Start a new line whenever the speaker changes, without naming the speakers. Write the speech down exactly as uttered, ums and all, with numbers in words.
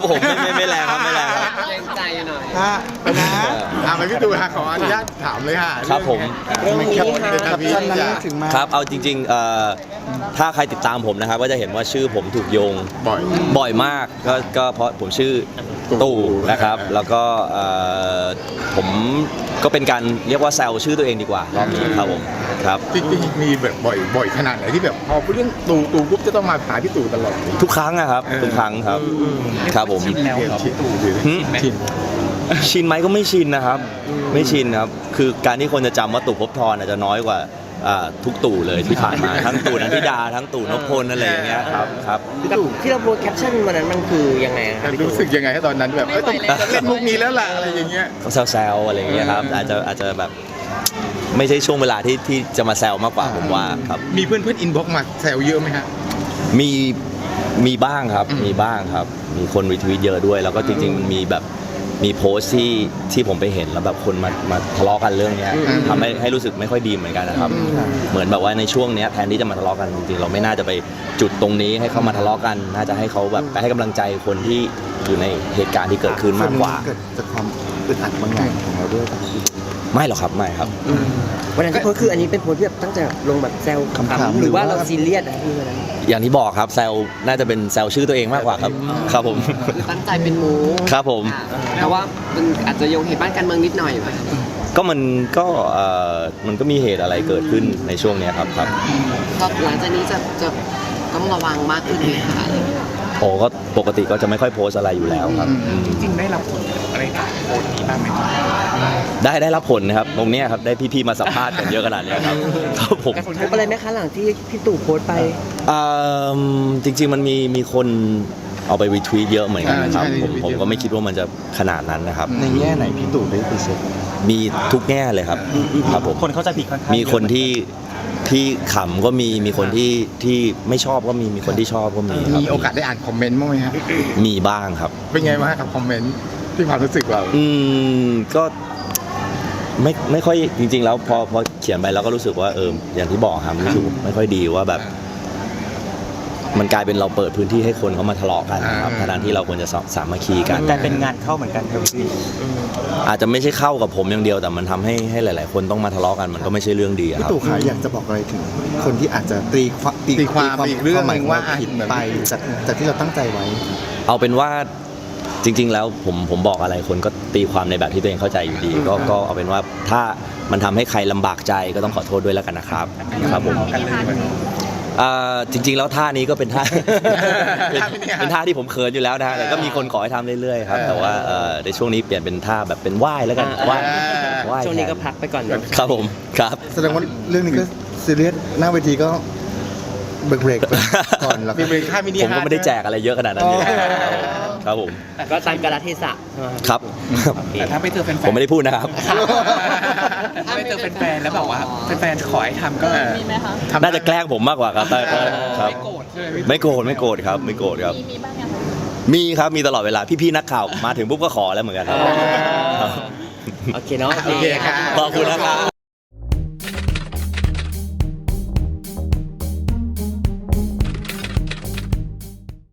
ผมไม่ไม่ไม่แรงครับไม่แรงครับ
เกรงใจหน่อย
ฮะไปนะ
อ่าไปพี่ตู่ฮะขออนุญาตถามเลยค่ะ
ครับผม
เรื่องนี้
เรื่อง
ค่ะ
กับ
ชั้
พี่
นนั้น
จะ
ถึงมา
ครับเอาจริงๆเอ่อถ้าใครติดตามผมนะครับก็จะเห็นว่าชื่อผมถูกโยง
บ่อย
บ่อยมากก็ก็เพราะผมชื่อตู่นะครับแล้วก็เอ่อผมก็เป็นการเรียกว่าแซวชื่อตัวเองดีกว่ารอบนี้ครับผมครับ
จริงๆมีแบบบ่อยบ่อยขนาดไหนที่แบบพอเรื่องตู่ตู่ปุ๊บจะต้องมาหาพี่ตู่ตลอด
ทุกครั้งนะครับทุกครั้งครับครับผม
ชินแล้วชินตู่หรือ
หึ
ชิน
ชินไหมก็ไม่ชินนะครับ ไม่ชินครับคือการที่คนจะจำว่าตู่ภพบทรอาจจะน้อยกว่าอ่าทุกตู่เลยที่ผ่านมา ทั้งตู่นันทิดาทั้งตู่นพพลอะไรอย่างเงี้ยครับครับ
พี่ตู่
ที่เราโพสแคปชั่นวันนั้นมันคือยังไงครับพี่ตู่
รู้สึกยังไงตอนนั้นแบบเอ้ยต้องต้องเล่นมุกนี้แล้วล่ะอะไรอย่างเงี้ย
ก็แซวๆอะไรอย่างเงี้ยครับอาจจะอาจจะแบบไม่ใช่ช่วงเวลาที่ที่จะมาแซวมากกว่าผมว่าครับ
มีเพื่อนเพื่อนอินบ็อกมาแซวเยอะไหมฮะ
มีมีบ้างครับ
อืม
มีบ้างครับ มีคนรีทวีตเยอะด้วย แล้วก็จริงๆมันมีแบบมีโพสต์ที่ที่ผมไปเห็นแล้วแบบคนมามาทะเลาะกันเรื่องเนี้ยทำให้ให้รู้สึกไม่ค่อยดีเหมือนกันนะครับ เหมือนแบบว่าในช่วงเนี้ยแทนที่จะมาทะเลาะกันจริงๆเราไม่น่าจะไปจุดตรงนี้ให้เขามาทะเลาะกัน น่าจะให้เขาแบบไปให้กำลังใจคนที่อยู่ในเหตุการณ์ที่เกิดขึ้นมากกว่า
เกิดจากความอึดอัดบางอย่างของเราด้วยป่ะครับพี่ตู่
ไม่หรอกครับไม่ครับ
วันนั้นที่โพสต์คืออันนี้เป็นโพสต์ที่แบบตั้งใจลงแบบแซว
ขำๆ
หรือว่า
หรือว่า
เราซีเรียสนะพี่วันนั้น
อย่างที่บอกครับแซวน่าจะเป็นแซวชื่อตัวเองมากกว่าครับครับผม
คือตั้งใจเป็นหมู
ครับผม
แต่ว่ามันอาจจะโยงเหตุบ้านการเมืองนิดหน่อยไหม
ก็มันก็เอ่อมันก็มีเหตุอะไรเกิดขึ้นในช่วงเนี้ยครับครับ
ก็หลังจากนี้จะจะต้องระวังมากขึ้นไหมคะอะไรอย่างเงี้ย
โอ้ก็ปกติก็จะไม่ค่อยโพสต์อะไรอยู่แล้วครับอืม
จริงได้รับผลอะไรจากโพสต์นี้บ้างไหม
ได้ได้รับผลนะครับตรงเนี้ยครับได้พี่ๆมาสัมภาษณ์กันเยอะขนาดเนี้ยครับครับผม
กระทบอะไรไหมคะหลังที่พี่ตู่โพสต์ไป
เอิ่มจริง ๆ มันมีมีคนเอาไปรีทวีตเยอะเหมือนกันนะครับ
อ่าใช่
ผม
รีทวีต
ผม
เยอะ
ก็ไม่คิดว่ามันจะขนาดนั้นนะครับ
ในแง่ไหนพี่ตู่ได้ไปเช็ค
มีทุกแง่เลยครับครับผม
คนเข้าใจผิดค่อนข้าง
มีคนที่ที่ขำก็มีมีคนที่ที่ไม่ชอบก็มีมีคนที่ชอบก็มีครับ
มีโอกาสได้อ่านคอมเมนต์บ้างไหมฮะ
มีบ้างครับ
เป็นไงบ้างกับคอมเมนต์ที่ความรู้สึกเรา
อืมก็ไม่ไม่ค่อยจริง ๆ แล้วพอพอเขียนไปแล้วก็รู้สึกว่าเอออย่างที่บอกครับรู้สึกไม่ค่อยดีว่าแบบ มันกลายเป็นเราเปิดพื้นที่ให้คนเขามาทะเลาะกันนะครับ
อ่า
ทั้งที่เราควรจะสามัคคีกัน
แต่เป็นงานเข้าเหมือนกันครับพี่
อาจจะไม่ใช่เข้ากับผมอย่างเดียวแต่มันทำให้ให้หลาย ๆ คนต้องมาทะเลาะกันมันก็ไม่ใช่เรื่องดีอะค
พี่
รับ
ตู่ขาอยากจะบอกอะไรถึงคนที่อาจจะตีความ
ตีความอีกเรื่องหนึ่งว่า
ควมผิดไปจากจากที่เราตั้งใจไว้
เอาเป็นว่าจริง ๆ แล้วผมผมบอกอะไรคนก็ตีความในแบบที่ตัวเองเข้าใจอยู่ดี ก็ก็เอาเป็นว่าถ้ามันทำให้ใครลำบากใจก็ต้องขอโทษด้วยแล้วกันนะครับครับผมเอ่อจริง ๆ แล้วท่านี้ก็เป็นท่า เป็นเป็นท่าที่ผมเขินอยู่แล้วนะฮะแต่ก็มีคนขอให้ทำเรื่อยๆครับแต่ว่าเอ่อในช่วงนี้เปลี่ยนเป็นท่าแบบเป็นไหว้แล้วกันไหว้ไหว้
ช่วงนี้ก็
แท
พักไปก่อนเนอะ
ครับผมครับ
แสดงว่าเรื่องนี้ก็ซีเรียสหน้าเวทีก็เบรกเบรกๆไปก่อนแล้ว
มีเป็นค่ามินิ
ผมก็ไม่ได้แจกอะไรเยอะขนาดนั้นอยู่แล้วครับผม
ก็ตามกาลเทศะใช่ไหม
ครับ
แต่ถ้าไปเจอแฟน
ผมไม่ได้พูดนะครับ
ถ้าไปเจอแฟนๆแล้วแบบว่าแฟนๆขอให้ทำก็
มีไหมคะ
ทำ
น่าจะแกล้งผมมากกว่าครับครับ
ไม่โกรธใช่ไหมพี่
ไม่โกรธไม่โกรธครับไม่โกรธครับ
มีมีบ้างยังคะ
มีครับมีตลอดเวลาพี่ๆนักข่าวมาถึงปุ๊บก็ขอแล้วเหมือนกันครับ
โอเคเนาะ
โอเคครับ
ขอบคุณนะครับ